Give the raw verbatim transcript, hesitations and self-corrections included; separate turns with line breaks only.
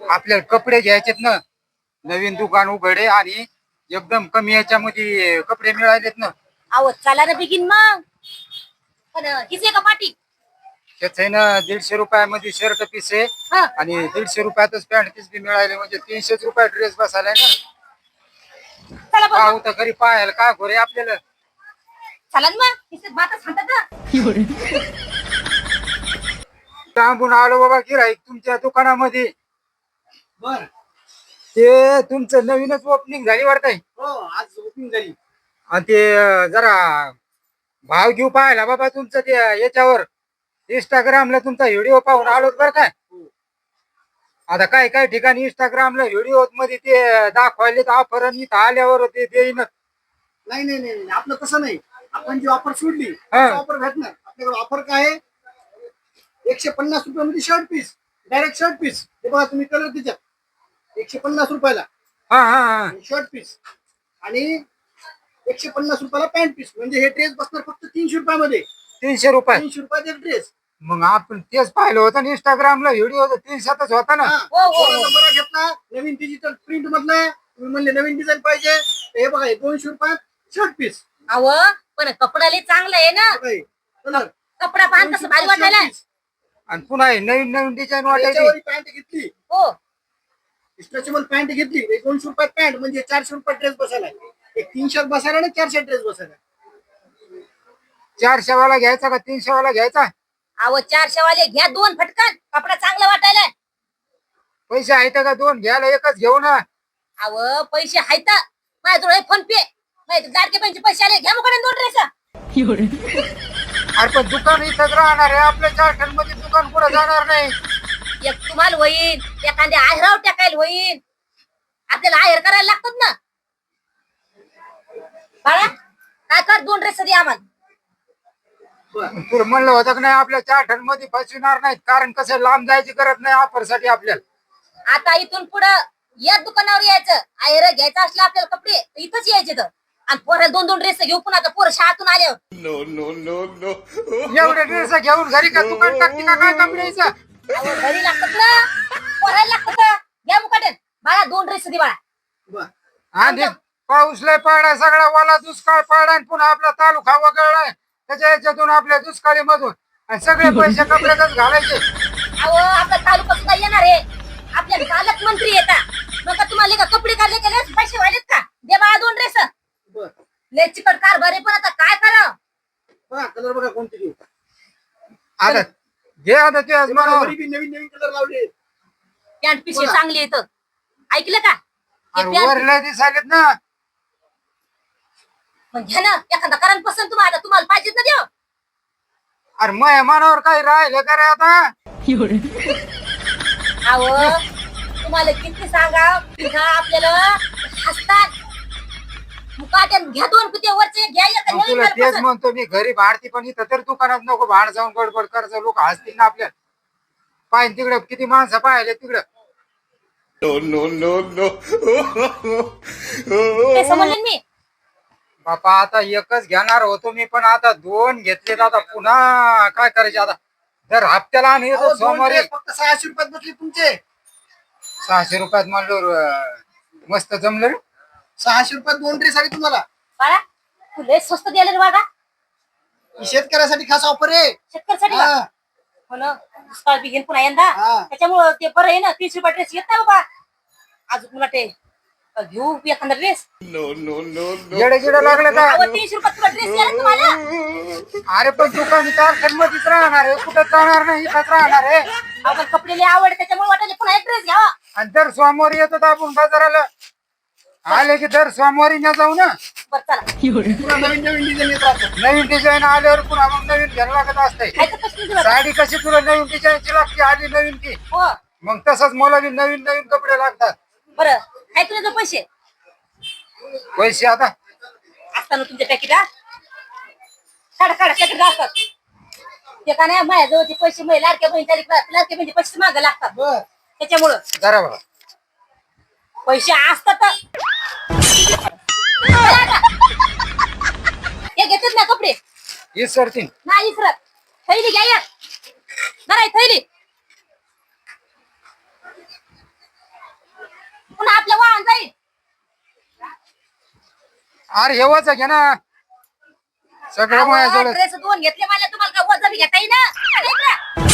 आपल्याला कपडे घ्यायचेत ना, नवीन दुकान उघडे आणि एकदम कमी याच्यामध्ये कपडे मिळालेत ना.
अहो चला ना बिगिन मग. पण किती का पाठी
त्याच आहे ना, दीडशे रुपयामध्ये शर्ट पीस आहे
हा
आणि दीडशे रुपयातच पॅन्ट पीस बी मिळाले, म्हणजे तीनशेच रुपये ड्रेस बसायला ना.
चला बरं
पाहू तर घरी पाहायला काय खोरे आपल्याला.
चला ना मग किती बाता सांगतात ना.
लांबून आलो बाबा गिऱ्हाईक तुमच्या दुकानामध्ये.
बर.
ते तुमचं नवीनच ओपनिंग झाली वाटतंय.
हो आज ओपनिंग झाली.
आणि ते अं, जरा भाव घेऊ पाहायला बाबा तुमचं ते याच्यावर इंस्टाग्रामला तुमचा व्हिडिओ पाहून आलो बरं काय. आता काय काय ठिकाणी इंस्टाग्रामला व्हिडिओ मध्ये ते दाखवायले ऑफर आणि इथं आल्यावर ते देईन.
नाही नाही नाही नाही, आपलं तसं नाही. आपण जी ऑफर सोडली
हा.
ऑफर भेटणार आपल्याकडे. ऑफर काय आहे, एकशे पन्नास रुपयामध्ये shirt piece, direct shirt piece. हे बघा तुम्ही कलर त्याच्यात एकशे पन्नास रुपयाला
हा हा हा
शर्ट पीस आणि एकशे पन्नास रुपयाला पॅन्ट पीस. म्हणजे हे ड्रेस बसणार फक्त तीनशे रुपयामध्ये.
तीनशे रुपये.
तीनशे रुपयाचे ड्रेस.
मग आपण तेच पाहिलं होतं ना इंस्टाग्रामला व्हिडिओ, तीनशेच होता ना.
हो, हो, हो.
बरा घेतला नवीन डिजिटल प्रिंट मधला. तुम्ही म्हणले नवीन डिझाईन पाहिजे, हे बघा हे दोनशे रुपयात शर्ट पीस.
अहो पण कपडा लय चांगला आहे ना.
कलर
कपडा पाहून कसं भारी वाटायला.
आणि पुन्हा हे नवीन नवीन डिझाईन वाटायची.
याच्यावर पॅन्ट घेतली,
हो
स्ट्रेचेबल पॅन्ट घेतली, एक दोनशे रुपयात पॅन्ट म्हणजे चारशे रुपयात ड्रेस बसायला. एक तीनशे बसायला ना चारशे ड्रेस बसायला.
चारशे वाला घ्यायचा का तीनशे वाला घ्यायचा.
अहो चारशे वाले घ्या दोन फटकन. कपडा चांगला वाटायला.
पैसे आहेत का दोन घ्यायला एकच घेऊ ना.
अहो पैसे आहेत माझ्याजवळ फोन पे. लाडके पैसे पैसे आले घ्या मग दोन ड्रेस.
अरे पण दुकान इथंच राहणार आहे आपल्या चारठण मध्ये, दुकान कुठं जाणार नाही.
एक तुम्हाला होईल, एखाद्या आहेराव टाकायला होईल. आपल्याला आहेर करायला लागतात ना. बाळा काय कर दोन ड्रेस दे आम्हाला.
तुला म्हणलं होतं की नाही आपल्या चारठण मध्ये फसविणार नाहीत, कारण कसं लांब जायची गरज नाही ऑफर साठी आपल्याला.
आता इथून पुढं या दुकानावर यायचं. आहेर घ्यायचं असलं आपल्याला कपडे तर इथंच यायचे तर. आणि पोराला दोन दोन ड्रेस घेऊ पुन्हा आता पोरं शाळेतून आल्यावर.
नो नो नो नो एवढे ड्रेस घेऊन घरी का दुकान टाकते का काय कपड्याचं.
अहो घरी लागतात ना, पोरायला लागतात. घ्या मुकाट्यात बाळा दोन ड्रेस दे बाळा.
आणि पाऊस लय पडलाय, सगळा वाला दुष्काळ पडलाय आणि पुन्हा आपला तालुका वगळलाय त्याच्या याच्यातून आपल्या दुष्काळी मधून आणि सगळे पैसे कपड्यातच घालायचे.
अहो आपला तालुका सुद्धा येणार आहे. आपल्या पालकमंत्री येतात मग का तुम्हाला का कपडे काढले गेले पैसे वाढलेत का. दे बाळा दोन ड्रेस. लय चिकट कारभार आहे पण आता काय करा.
बघा कलर बघा कोणते घेऊ.
आता घे आता ते मनावर.
नवीन नवीन कलर लावले.
पॅन्ट पिशवी चांगली येत ऐकलं का. हे pant-
वर लय दिसायलेत ना.
मग घ्या ना एखादा कारण पसंत तुम्हाला तुम्हाला पाहिजेत ना देव.
अरे मय मनावर काही राहिलं का रे आता.
अहो तुम्हाला किती सांगा पुन्हा आपल्याला हसतात. मुकाट्यात घ्या दोन कुठे वरचे घ्या एक
मग
नवीन
तुला
मला
तेच
पसंत.
म्हणतो मी, घरी भाडती पण इथं तर दुकानात नको भाड जाऊन गडबड करायचं. लोक हसतील ना आपल्या. पाहिजे तिकडं किती माणसं पाहिले तिकडं. नो नो नो
ते समजले मी.
बापा आता एकच घेणार होतो मी, पण आता दोन घेतले. आता पुन्हा काय करायचे आता. दर हप्त्याला आम्ही येतो
अहो, दोन
सोमवारी.
ड्रेस फक्त सहाशे रुपयात बसले तुमचे.
सहाशे रुपयात म्हणलो मस्त जमलं रे.
सहाशे रुपयात दोन ड्रेस आले तुम्हाला.
बाळा तू लय स्वस्त द्यायला रे बाळा.
ही शेतकऱ्यासाठी खास ऑफर आहे.
शेतकऱ्यासाठी
हा.
का? हो ना दुष्काळ बी घेईन पुन्हा यंदा.
हा.
त्याच्यामुळं ते बरं आहे ना तीस रुपये ड्रेस येत नाही बाबा. अजून मला ते घेऊ एखादा ड्रेस.
येडे गिडे लागले का.
अहो तीनशे रुपये तुला ड्रेस द्यायला तुम्हाला.
अरे पण दुकान चार मध्येच राहणार आहे, कुठं जाणार नाही, इथंच राहणार आहे.
आपण कपडे लय आवड त्याच्यामुळे वाटायला पुन्हा एक ड्रेस घ्यावा.
आणि दर सोमवारी येतो आपण बाजाराला. आले की दर सोमवारी न जाऊ ना.
बरं चला.
पुन्हा नवीन नवीन डिझाईन येत राहतात.
नवीन डिझाईन आल्यावर पुन्हा मग नवीन घ्यायला लागत असते.
खायचं कसं तुला?
साडी कशी तुला नवीन डिझाईनची लागते, आली नवीन की
हो
मग तसंच मला बी नवीन नवीन कपडे लागतात.
बरं काय तुझे पैसे
पैसे आता
असताना तुमच्या पॅकेट हा काढा काढा पॅकेट असतात. ते का नाही माझ्याजवळचे पैसे माझ्या लाडक्या बहिणी लाडक्या बहिणी पैसे मागं लागतात.
बर.
त्याच्यामुळं
जरा बघा
पैसे असतात. हे घेतात ना कपडे
ही सरतीन.
नाही इसरत. थैली घ्या एक. नाही थैली
अरे हे वच घे ना सगळं माझ्याजवळ
ड्रेस दोन घेतले मला तुम्हाला का वजा बी घेता येईना? अरे इकडं.